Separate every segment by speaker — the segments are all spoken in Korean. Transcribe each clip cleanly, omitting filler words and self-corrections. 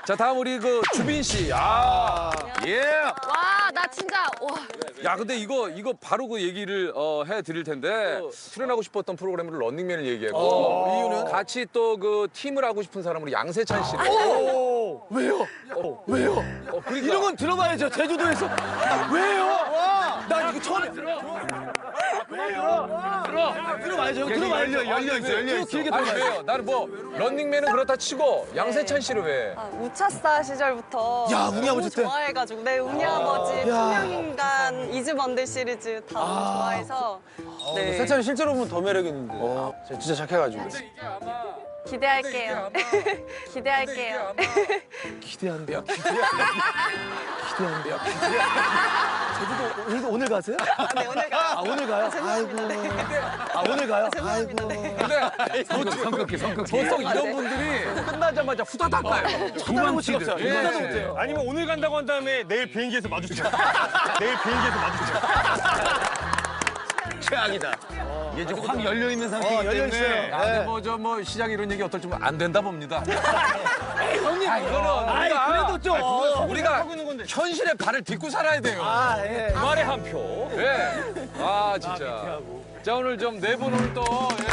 Speaker 1: 자, 다음 우리 그 주빈 씨. 예.
Speaker 2: 와, 나 진짜 와.
Speaker 1: 야, 근데 이거 바로 그 얘기를 해 드릴 텐데 출연하고 싶었던 프로그램으로 런닝맨을 얘기했고 이유는 같이 또 그 팀을 하고 싶은 사람으로 양세찬 씨를.
Speaker 3: 왜요? 왜요?
Speaker 1: 그러니까.
Speaker 3: 이런 건 들어봐야죠. 제주도에서. 왜요? 나 이거 처음이야. 들어봐야죠. 들어봐야죠.
Speaker 1: 열려 있어.
Speaker 3: 길게
Speaker 1: 아니
Speaker 3: 들어봐야죠.
Speaker 1: 왜요? 나는 뭐 런닝맨은 그렇다 치고 양세찬 씨를 왜?
Speaker 4: 우차스타 시절부터
Speaker 3: 야, 웅이 아버지 때?
Speaker 4: 좋아해가지고 네, 웅이 아버지, 투명인간, 이즈번들 시리즈 다 너무 좋아해서 네.
Speaker 3: 세찬이 실제로 보면 더 매력 있는데. 진짜 착해가지고.
Speaker 4: 기대할게요. 기대할게요.
Speaker 3: 기대한대요. 기대한대요. 제주도 오늘 가세요?
Speaker 4: 네, 오늘 가요.
Speaker 3: 오늘 가요?
Speaker 4: 죄송합니다.
Speaker 3: 아이고. 오늘 가요?
Speaker 4: 죄송합니다.
Speaker 3: 아이고.
Speaker 4: 네.
Speaker 1: 근데 보통 이런 분들이 끝나자마자 후다닥 가요.
Speaker 3: 두번 찍었어요.
Speaker 1: 예.
Speaker 3: 이거도 못해요.
Speaker 5: 아니면 오늘 간다고 한 다음에 내일 비행기에서 마주쳐. 내일 비행기에서 마주쳐.
Speaker 3: 최악이다.
Speaker 1: 이게 지금 확 열려 있는 상태이기
Speaker 3: 열려
Speaker 1: 때문에.
Speaker 3: 있어요.
Speaker 1: 아, 근데 뭐 시작 이런 얘기 어떨지 안 된다 봅니다.
Speaker 3: 형님.
Speaker 1: 이거는
Speaker 3: 그래도 좀.
Speaker 1: 우리가 현실의 발을 딛고 살아야 돼요.
Speaker 3: 예.
Speaker 1: 말의 한 표. 예. 진짜. 자, 오늘 좀 네 분 오늘 또. 예.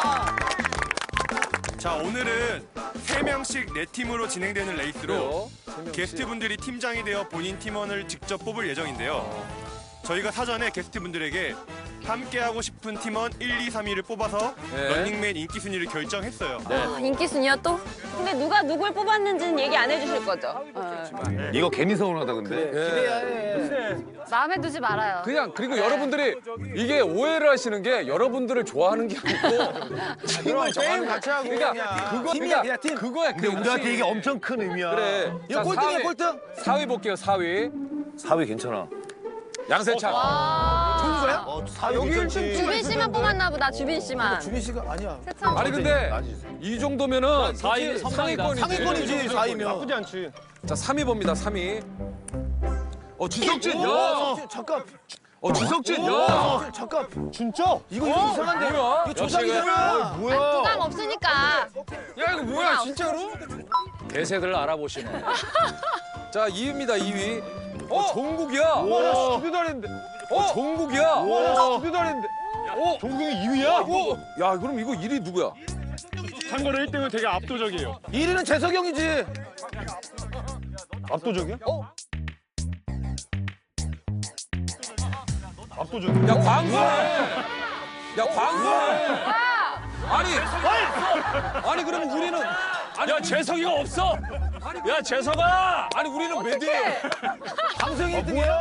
Speaker 5: 자, 오늘은 3명씩 4팀으로 진행되는 레이스로 게스트분들이 팀장이 되어 본인 팀원을 직접 뽑을 예정인데요. 저희가 사전에 게스트분들에게 함께하고 싶은 팀원 1, 2, 3위를 뽑아서
Speaker 1: 네.
Speaker 5: 런닝맨 인기 순위를 결정했어요.
Speaker 2: 인기 순위야 또? 근데 누가 누굴 뽑았는지는 얘기 안 해주실 거죠?
Speaker 6: 이거 괜히 서운하다 근데.
Speaker 3: 기대야 해.
Speaker 2: 마음에 두지 말아요.
Speaker 1: 그리고 여러분들이 이게 오해를 하시는 게 여러분들을 좋아하는 게 아니고 팀을
Speaker 3: 게임 같이 하고
Speaker 1: 그러니까
Speaker 3: 그냥. 팀이야, 그냥 팀.
Speaker 1: 그거야.
Speaker 6: 근데 우리한테 이게 엄청 큰 의미야.
Speaker 1: 그래.
Speaker 3: 이거 꼴등이야, 꼴등.
Speaker 1: 4위 볼게요. 4위.
Speaker 6: 4위 괜찮아.
Speaker 1: 양세찬.
Speaker 3: 좋은 거야?
Speaker 6: 여기
Speaker 2: 주빈 씨만 뽑았나 보다. 주빈 씨만.
Speaker 3: 주민 씨가 아니야.
Speaker 2: 세찬.
Speaker 1: 아니 근데 이 정도면은 상위권이지.
Speaker 3: 상위권이지, 4위면.
Speaker 5: 나쁘지 않지.
Speaker 1: 자, 3위 봅니다. 3위. 지석진.
Speaker 3: 잠깐.
Speaker 1: 지석진.
Speaker 3: 잠깐.
Speaker 5: 진짜?
Speaker 3: 이거 이상한데?
Speaker 1: 뭐야?
Speaker 3: 이거 조작이잖아.
Speaker 2: 부담 없으니까.
Speaker 1: 야, 이거 뭐야, 진짜로? 대세들 알아보시네. 자, 2위입니다. 2위. 종국이야.
Speaker 5: 와, 스피드 잘했는데.
Speaker 1: 종국이야.
Speaker 5: 와, 스피드 잘했는데. 종국이 2위야?
Speaker 1: 야, 그럼 이거 1위 누구야?
Speaker 5: 참고로 1등은 되게 압도적이에요.
Speaker 3: 1위는 재석이 형이지.
Speaker 5: 압도적이야? 압도적이야?
Speaker 1: 야, 광수네. 야, 광수네. 아니 그러면 우리는
Speaker 7: 야, 재석이가 없어! 야, 재석아!
Speaker 1: 아니 우리는 몇 위예요?
Speaker 3: 방송이 1등이야.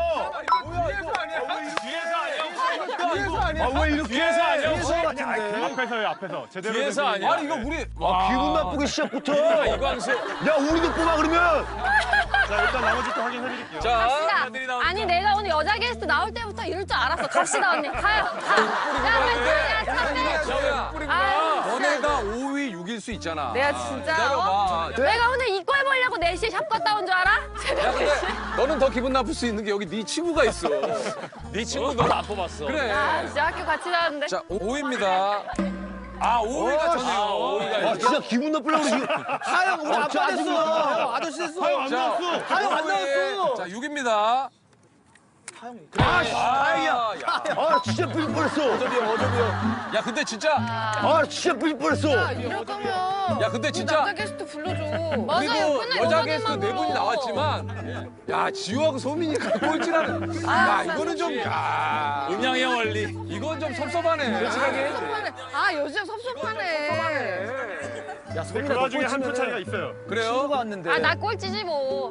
Speaker 1: 뒤에서 아니야?
Speaker 6: 왜 이렇게
Speaker 7: 뒤에서 아니야?
Speaker 5: 앞에서요, 앞에서. 제대로
Speaker 7: 뒤에서
Speaker 5: 된
Speaker 7: 아니야?
Speaker 1: 아니 이거 우리
Speaker 6: 기분 나쁘게 시작부터.
Speaker 1: 이광수.
Speaker 6: 야 우리도 뽑아 그러면.
Speaker 5: 자, 일단 나머지 또 확인해드릴게요.
Speaker 1: 자,
Speaker 2: 갑시다. 아니 내가 오늘 여자 게스트 나올 때부터 이럴 줄 알았어. 갑시다 언니. 가요. 야,
Speaker 1: 저야.
Speaker 2: 아,
Speaker 1: 너네가 5위, 6일 수 있잖아.
Speaker 2: 내가 진짜.
Speaker 1: 기다려봐.
Speaker 2: 내가 오늘 이거 해보려고 4시에 샵 갔다 온 줄 알아?
Speaker 1: 야, 근데 너는 더 기분 나쁠 수 있는 게 여기 네 친구가 있어.
Speaker 7: 네 친구 널 안 뽑았어.
Speaker 1: 그래.
Speaker 2: 아, 진짜 학교 같이 다녔는데.
Speaker 1: 자, 5위입니다. 5위가 저네요. 5위가.
Speaker 6: 진짜 기분 나쁘려고 지금.
Speaker 3: 하영 우리 아빠 됐어. 하영 아저씨 됐어. 하영 안 나왔어. 하영 안 나왔어.
Speaker 1: 자, 6위입니다.
Speaker 6: 다행이야. 아 진짜 삐질 뻔했어.
Speaker 3: 어저비요.
Speaker 1: 야, 근데 진짜.
Speaker 6: 아 진짜 삐질 뻔했어.
Speaker 2: 이럴 거면.
Speaker 1: 야, 근데 진짜.
Speaker 2: 남자 게스트 불러줘. 맞아요.
Speaker 1: 그리고
Speaker 2: 맨날
Speaker 1: 여자
Speaker 2: 여자들만
Speaker 1: 게스트 네 분이
Speaker 2: 불러.
Speaker 1: 나왔지만, 야, 지우하고 소민이가 꼴찌라는. 야, 이거는 좀, 야.
Speaker 7: 음양의 원리.
Speaker 1: 이건 좀 섭섭하네. 솔직하게.
Speaker 2: 섭섭하네. 아, 요즘 섭섭하네.
Speaker 3: 야,
Speaker 5: 그
Speaker 3: 소민아
Speaker 5: 와중에 한 표 차이가 있어요.
Speaker 1: 그래요?
Speaker 3: 친구가 왔는데.
Speaker 2: 아, 나 꼴찌지 뭐.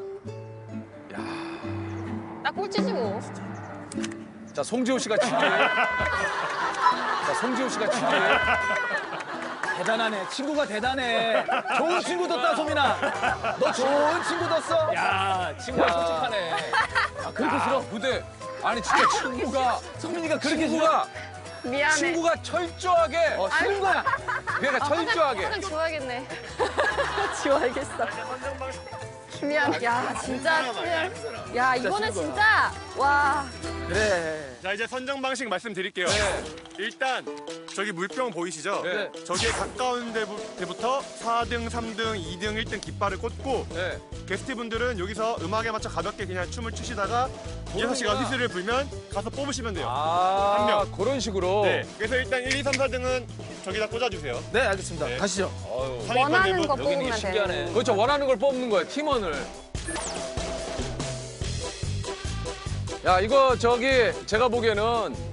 Speaker 2: 나 꼴찌지 뭐.
Speaker 1: 자, 송지호 씨가 7위. 자, 송지호 씨가 7위.
Speaker 3: 대단하네. 친구가 대단해. 좋은 친구 뒀다, 소민아. 너 좋은 친구 뒀어.
Speaker 7: 야, 친구가 솔직하네.
Speaker 3: 그렇게 싫어.
Speaker 1: 근데, 아니, 진짜 친구가,
Speaker 3: 소민이가 그렇게 싫어.
Speaker 1: 친구가,
Speaker 2: 미안해.
Speaker 1: 친구가 철저하게,
Speaker 3: 싫은 거야.
Speaker 1: 그러니까 철저하게.
Speaker 2: 화장 지워야겠네. 지워야겠어. 미안. 야, 진짜 미안. 야, 이거는 진짜. 와.
Speaker 3: 그래.
Speaker 5: 자, 이제 선정 방식 말씀드릴게요. 일단 저기 물병 보이시죠?
Speaker 1: 네.
Speaker 5: 저기에 가까운 데부터 4등, 3등, 2등, 1등 깃발을 꽂고
Speaker 1: 네.
Speaker 5: 게스트분들은 여기서 음악에 맞춰 가볍게 그냥 춤을 추시다가 6시가 휘슬을 불면 가서 뽑으시면 돼요. 한 명.
Speaker 1: 그런 식으로.
Speaker 5: 네. 그래서 일단 1, 2, 3, 4등은 저기다 꽂아주세요.
Speaker 3: 네, 알겠습니다.
Speaker 5: 네.
Speaker 3: 가시죠.
Speaker 5: 상위권
Speaker 4: 원하는
Speaker 5: 멤버.
Speaker 4: 거
Speaker 7: 여기 있는 게
Speaker 4: 뽑으면
Speaker 7: 신기하네.
Speaker 4: 되는.
Speaker 1: 그렇죠. 원하는 걸 뽑는 거야, 팀원을. 야, 이거 저기 제가 보기에는